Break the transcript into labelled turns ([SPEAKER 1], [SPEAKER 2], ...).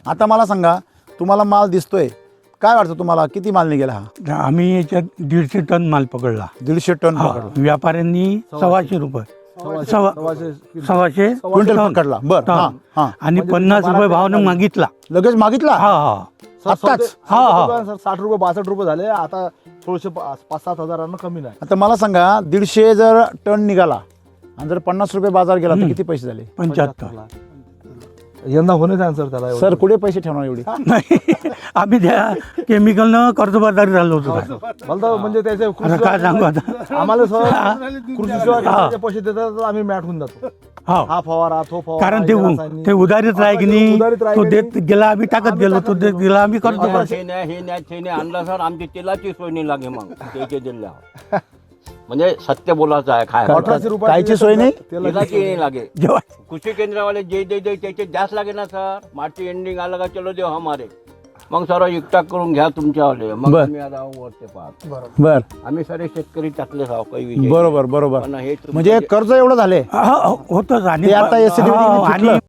[SPEAKER 1] आता मला सांगा, तुम्हाला माल दिसतोय, काय वाटतं तुम्हाला किती माल निघेला हा?
[SPEAKER 2] आम्ही याच्यात 150 टन माल पकडला.
[SPEAKER 1] 150 टन
[SPEAKER 2] हा,
[SPEAKER 1] पकडला.
[SPEAKER 2] व्यापाऱ्यांनी 125 रुपये 125
[SPEAKER 1] क्विंटल पकडला. बर
[SPEAKER 2] टन.
[SPEAKER 1] हा हा
[SPEAKER 2] आणि 50 रुपये भावानं मागितला.
[SPEAKER 1] लगेच मागितला.
[SPEAKER 2] हा हा
[SPEAKER 1] आत्ताच?
[SPEAKER 3] 60 रुपये 62 रुपये झाले. आता थोडेसे 5-7 हजारांना कमी नाही.
[SPEAKER 1] आता मला सांगा, 150 जर टन निघाला आणि जर 50 रुपये बाजार गेला तर किती पैसे झाले?
[SPEAKER 2] 75.
[SPEAKER 3] यंदा होणे आहे सर त्याला.
[SPEAKER 1] सर कुठे पैसे ठेवणार एवढे?
[SPEAKER 2] नाही, आम्ही त्या केमिकलनं कर्जबाजारी झालो होतो.
[SPEAKER 3] मला तर म्हणजे त्याचे
[SPEAKER 2] आता काय सांगू आता.
[SPEAKER 3] आम्हाला सर कृषी सेवा पैसे देतात तर आम्ही मॅट होऊन जातो.
[SPEAKER 2] हा,
[SPEAKER 3] हा फवारा तो फवारा
[SPEAKER 2] कारण
[SPEAKER 3] हे रासायनिक.
[SPEAKER 2] ते उधारीत राह की नाही,
[SPEAKER 3] उधारीत राह
[SPEAKER 2] तो
[SPEAKER 3] की
[SPEAKER 2] देत गेला, आम्ही टाकत गेलो, तो देत गेला, आम्ही कर्ज
[SPEAKER 4] हे नाही आणला सर, आमची तेलाची सोय नाही लागे मग त्याचे दिल्या. म्हणजे सत्य बोलायचं आहे. काय
[SPEAKER 3] 1800 रुपये
[SPEAKER 1] कायची सोय नाही?
[SPEAKER 4] तेलाची नाही लागे.
[SPEAKER 2] जेव्हा
[SPEAKER 4] कृषी केंद्रावाले जे दे त्याचे जास्त लागे ना सर. मार्च एंडिंग आला का चलो देव हमारे. मग सर एकटाक करून घ्या तुमच्यावाले. मग
[SPEAKER 1] बर.
[SPEAKER 4] आम्ही आता वरते पाहत.
[SPEAKER 1] बर
[SPEAKER 4] आम्ही सारे शेतकरी टाकले साव काही विषय
[SPEAKER 1] बरोबर बरोबर.
[SPEAKER 4] पण हे तुमचं
[SPEAKER 1] म्हणजे कर्ज एवढं झाले
[SPEAKER 2] होतच. आणि
[SPEAKER 1] ते आता SCDD ने
[SPEAKER 2] आणि